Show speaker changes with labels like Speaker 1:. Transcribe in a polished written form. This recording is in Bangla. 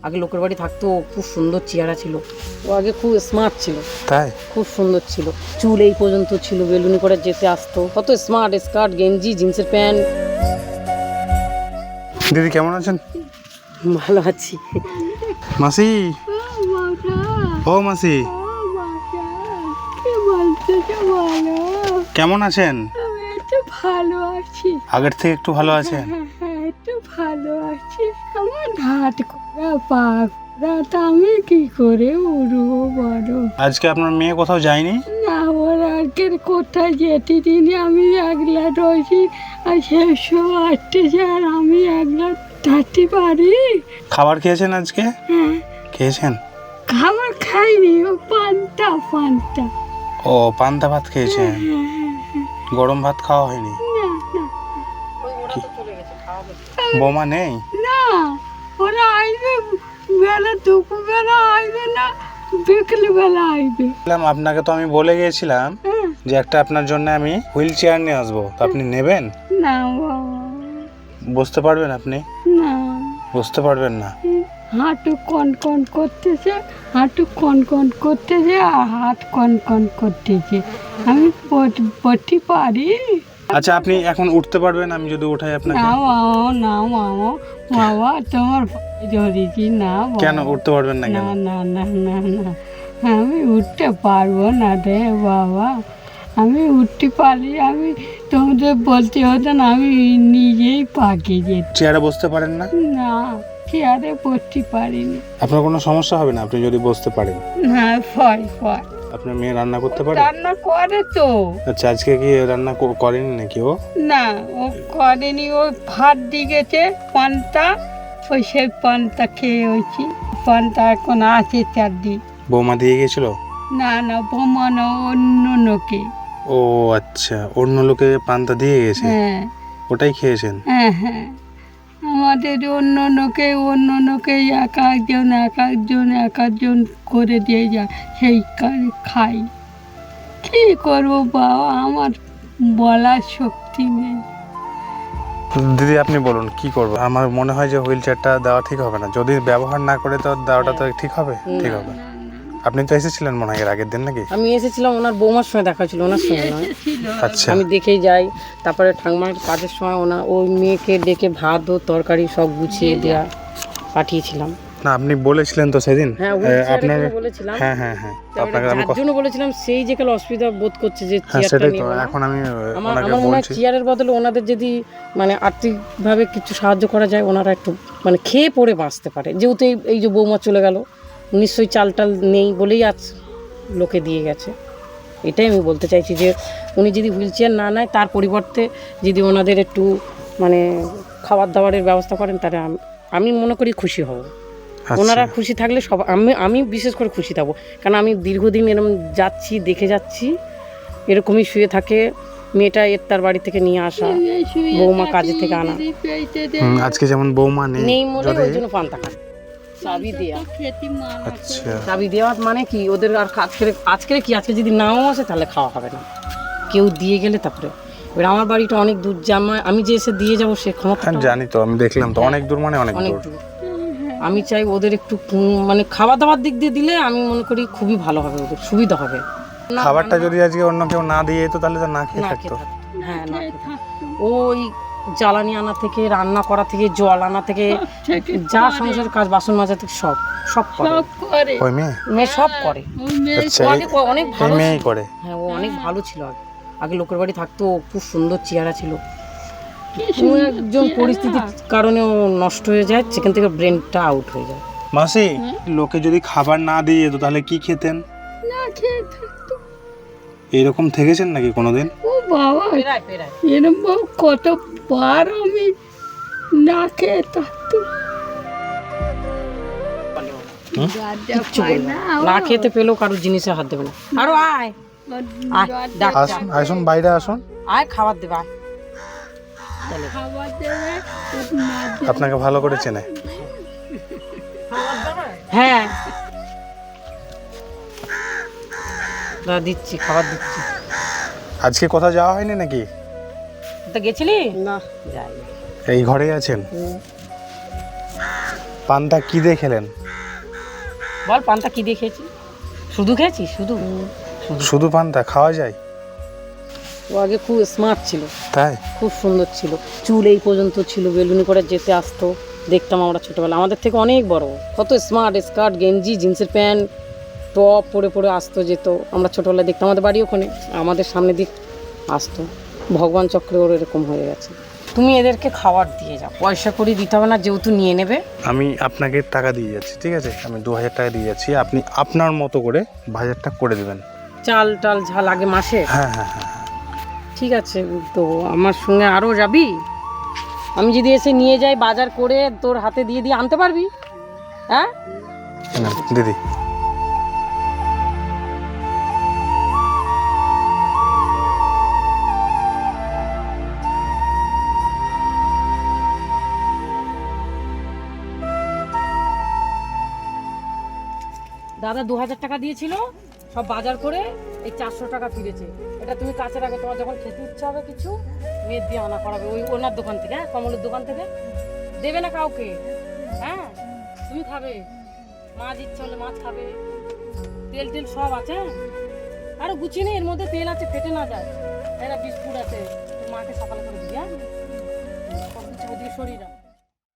Speaker 1: আগে লোকের বাড়ি থাকতো, খুব সুন্দর চেহারা ছিল, ও আগে খুব স্মার্ট ছিল,
Speaker 2: তাই
Speaker 1: খুব সুন্দর ছিল, চুল এই পর্যন্ত ছিল, বেলুনি করে যেতে আসতো, কত স্মার্ট, স্কার্ট গেঞ্জি জিন্সের প্যান্ট।
Speaker 2: দিদি কেমন আছেন?
Speaker 1: ভালো আছি।
Speaker 2: মাসি, ও মাসি কেমন আছেন?
Speaker 3: একটু ভালো আছি,
Speaker 2: আগের থেকে একটু ভালো আছেন?
Speaker 3: একটু ভালো আছি। আমার হাত করা পা করা, তা আমি কি করে উড়বো বলো?
Speaker 2: আজকে আপনার মেয়ে কোথাও যায়নি?
Speaker 3: না, ওর আজকের কোথায় যেতে দিনে আমি একলা রয়েছি, আর শেষ আসতেছে, আর আমি একলা থাকতে পারি?
Speaker 2: খাবার খেয়েছেন আজকে?
Speaker 3: হ্যাঁ,
Speaker 2: খেয়েছেন?
Speaker 3: খাবার খাইনি, ও পান্তা পান্তা।
Speaker 2: ও পান্তা ভাত খেয়েছেন, গরম ভাত খাওয়া হয়নি? বৌমা নেই?
Speaker 3: না, ওরা আসবে বেলা, দুপুর বেলা আসবে না, বিকেল বেলা আসবে।
Speaker 2: আপনাকে তো আমি বলে গিয়েছিলাম যে একটা আপনার জন্য আমি হুইল চেয়ার নিয়ে আসবো, তো আপনি নেবেন?
Speaker 3: না বাবা,
Speaker 2: বসতে পারবেন আপনি?
Speaker 3: না,
Speaker 2: বসতে পারবেন না?
Speaker 3: হাঁটু কন কন করতেছে, হাঁটু কন কন করতেছে, আর হাত কন কন করতেছে, আমি পড়তে পারি?
Speaker 2: আচ্ছা আপনি এখন উঠতে পারবেন আমি যদি উঠাই আপনাকে?
Speaker 3: না বাবা, না বাবা, বাবা তোমার পায়ে ধরেছি, না বাবা।
Speaker 2: কেন উঠতে পারবেন না?
Speaker 3: না
Speaker 2: কেন?
Speaker 3: না না না না, আমি উঠতে পারবো না রে বাবা, আমি উঠতে পারি, আমি তোমাদের বলতে হতো না, আমি নিজেই পাকে যেত।
Speaker 2: চেয়ারে বসতে পারেন না?
Speaker 3: না, চেয়ারে পড়তে পারিনি।
Speaker 2: আপনার কোনো সমস্যা হবে না আপনি যদি বসতে পারেন?
Speaker 3: না, ফয় ফয়
Speaker 2: আপনার মেয়ে রান্না করতে পারে?
Speaker 3: রান্না করে তো।
Speaker 2: আচ্ছা আজকে কি রান্না করেনি নাকি ও?
Speaker 3: না, ও করেনি, ও ভাত দিয়ে গেছে পান্তা, ওই সেই পান্তা খেয়ে হয়েছি, পান্তা এখন আছে চারদিন।
Speaker 2: বৌমা দিয়ে গেছিল?
Speaker 3: না না, বোমা না, অন্য লোকে।
Speaker 2: ও আচ্ছা, অন্য লোকে পান্তা দিয়ে গেছে,
Speaker 3: হ্যাঁ
Speaker 2: ওটাই খেয়েছেন?
Speaker 3: হ্যাঁ হ্যাঁ, আমাদের অন্য লোকে এক একজন করে দিয়ে যায়, সেই খাই। কি করবো বাবা, আমার বলার শক্তি নেই।
Speaker 2: দিদি আপনি বলুন কি করবো? আমার মনে হয় যে হুইল চেয়ারটা দেওয়া ঠিক হবে না, যদি ব্যবহার না করে তো দেওয়াটা তো ঠিক হবে? ঠিক হবে। আপনি তো এসেছিলেন মনে হয় এর আগের দিন নাকি?
Speaker 1: আমি এসেছিলাম, ওনার বৌমার সঙ্গে দেখা ছিল, ওনার সঙ্গে নয়।
Speaker 2: আচ্ছা,
Speaker 1: আমি দেখেই যাই, তারপরে ঠাকুমার কাজের সময় ওই মেয়েকে ডেকে ভাত ও তরকারি সব গুছিয়ে দেওয়া পাঠিয়েছিলাম।
Speaker 2: না আপনি বলেছিলেন তো সেদিন
Speaker 1: হ্যাঁ,
Speaker 2: আপনার,
Speaker 1: বলেছিলাম।
Speaker 2: হ্যাঁ হ্যাঁ হ্যাঁ, আপনাকে আমি
Speaker 1: যার জন্য বলেছিলাম, সেই যে কাল অসুবিধা বোধ করছে যে
Speaker 2: হ্যাঁ
Speaker 1: চেয়ারটা
Speaker 2: সেটাই তো,
Speaker 1: নেবো না।
Speaker 2: এখন আমি
Speaker 1: আমার
Speaker 2: ওনাকে
Speaker 1: মনে হয়
Speaker 2: বলছি।
Speaker 1: চেয়ারের বদলে ওনাদের যদি মানে আর্থিকভাবে কিছু সাহায্য করা যায়, ওনারা একটু মানে খেয়ে পড়ে বাঁচতে পারে, যেহেতু এই যে বৌমা চলে গেল, নিশ্চয়ই চাল টাল নেই বলেই আজ লোকে দিয়ে গেছে। এটাই আমি বলতে চাইছি যে উনি যদি হুইল চেয়ার না নেয়, তার পরিবর্তে যদি ওনাদের একটু মানে খাবার দাবারের ব্যবস্থা করেন, তাহলে আমি মনে করি খুশি হব।
Speaker 2: আচ্ছা।
Speaker 1: ওনারা খুশি থাকলে সব, আমি বিশেষ করে খুশি থাকবো, কারণ আমি দীর্ঘদিন এরকম যাচ্ছি, দেখে যাচ্ছি, এরকমই শুয়ে থাকে মেয়েটা, তার বাড়ি থেকে নিয়ে আসা, বৌমা কাজে থেকে আনা,
Speaker 2: আজকে যেমন বৌমা
Speaker 1: নেই মনে ওই জন্য পান্তা খায়। চাবি দেওয়া,
Speaker 2: আচ্ছা
Speaker 1: চাবি দেওয়া মানে কি, ওদের আর আজকে কি, আজকে যদি নাও আসে তাহলে খাওয়া হবে না, কেউ দিয়ে গেলে তারপরে। এবার আমার বাড়িটা অনেক দূর, আমি যে এসে দিয়ে যাবো সে ক্ষমতা
Speaker 2: হ্যাঁ জানি তো, আমি দেখলাম তো, অনেক দূর মানে অনেক
Speaker 1: অনেক
Speaker 2: দূর।
Speaker 1: দূর। আমি চাই ওদের একটু মানে খাওয়া দাওয়ার দিক দিয়ে দিলে আমি মনে করি খুবই ভালো হবে, ওদের সুবিধা হবে।
Speaker 2: খাবারটা যদি আজকে অন্য কেউ না দিয়ে তো তাহলে তো না খেয়ে
Speaker 1: না
Speaker 2: থাকতো।
Speaker 1: খেয়ে থাকতো। হ্যাঁ, না খেয়ে থাকতো। ওই জ্বালানি আনা থেকে, রান্না করা থেকে, জল আনা থেকে, যা সংসারের কাজ, বাসন মাজা থেকে সব করে।
Speaker 2: ওই মেয়ে
Speaker 1: সব করে।
Speaker 2: আচ্ছা,
Speaker 1: ও আগে অনেক
Speaker 2: এই
Speaker 1: ভালো
Speaker 2: মেয়েই
Speaker 1: ছিল।
Speaker 2: করে?
Speaker 1: হ্যাঁ, ও অনেক ভালো ছিল আগে লোকের বাড়ি থাকতো, খুব সুন্দর চেহারা ছিল, কোনো একজন পরিস্থিতির কারণে ও নষ্ট হয়ে যায়, সেখান থেকে ব্রেনটা আউট হয়ে যায়।
Speaker 2: মাসি, লোকে যদি খাবার না দিয়ে তো তাহলে কি খেতেন?
Speaker 3: না খেয়ে থাকতো।
Speaker 2: এরকম থেকেছেন নাকি কোনোদিন?
Speaker 3: ও বাবা, এরকম কতবার আমি না খেয়ে থাকতো।
Speaker 1: কিচ্ছু বলবে না, না খেতে পেলেও কারোর জিনিসে হাত দেবে না। আরো আয়, আয়, ডাক,
Speaker 2: আসুন আসুন, বাইরে আসুন,
Speaker 1: আয়, খাবার দেবে, আয়। তাহলে
Speaker 3: খাবার দেবে,
Speaker 2: আপনাকে ভালো করে চেনে।
Speaker 1: হ্যাঁ, দিচ্ছি, খাবার দিচ্ছি।
Speaker 2: আজকে কোথাও যাওয়া হয়নি নাকি?
Speaker 1: তো গেছিলি? না, যাই।
Speaker 2: এই ঘরেই আছেন? পান্তা কি দিয়ে খেলেন?
Speaker 1: বল পান্তা কি দিয়ে খেয়েছি? শুধু খেয়েছি, শুধু।
Speaker 2: শুধু পান্তা খাওয়া যায়?
Speaker 1: ও আগে খুব স্মার্ট ছিল,
Speaker 2: তাই?
Speaker 1: খুব সুন্দর ছিল, চুল এই পর্যন্ত ছিল, বেলুনি করে যেতে আসতো, দেখতাম আমরা ছোটোবেলা, আমাদের থেকে অনেক বড়, কত স্মার্ট, স্কার্ট গেঞ্জি জিন্সের প্যান্ট টপ পরে পরে আসতো যেত, আমরা ছোটোবেলায় দেখতাম, আমাদের বাড়ি ওখানে, আমাদের সামনে দিক আসতো। ভগবান চক্রে ওর এরকম হয়ে গেছে। তুমি এদেরকে খাবার দিয়ে যাও, পয়সা করে দিতে হবে না, যেহেতু নিয়ে নেবে।
Speaker 2: আমি আপনাকে টাকা দিয়ে যাচ্ছি, ঠিক আছে? আমি 2000 টাকা দিয়ে যাচ্ছি, আপনি আপনার মতো করে বাজারটা করে দেবেন।
Speaker 1: চাল টাল ঝাল লাগে মাসে।
Speaker 2: হ্যাঁ হ্যাঁ হ্যাঁ।
Speaker 1: ঠিক আছে, তো আমার সঙ্গে আরও যাবি? আমি যদি এসে নিয়ে যাই বাজার করে তোর হাতে দিয়ে দিয়ে আনতে পারবি? হ্যাঁ
Speaker 2: না, দিদি
Speaker 1: দাদা 2000 টাকা দিয়েছিল, সব বাজার করে এই 400 টাকা ফিরেছে। এটা তুমি কাছে রাখো, তোমার যখন খেতে ইচ্ছা হবে কিছু মেয়ের দিয়ে আনা করাবে, ওই ওনার দোকান থেকে, হ্যাঁ কমলের দোকান থেকে। দেবে না কাউকে, হ্যাঁ তুমি খাবে, মাছ ইচ্ছা হলে মাছ খাবে, তেল টেল সব আছে, হ্যাঁ? আরো গুছিয়ে নে, এর মধ্যে তেল আছে, ফেটে না যায়, তাই না? বিস্কুট আছে, তোর মাকে সকালে করে দিবি, হ্যাঁ? সব কিছু ওদিকে সরিয়ে রাখ।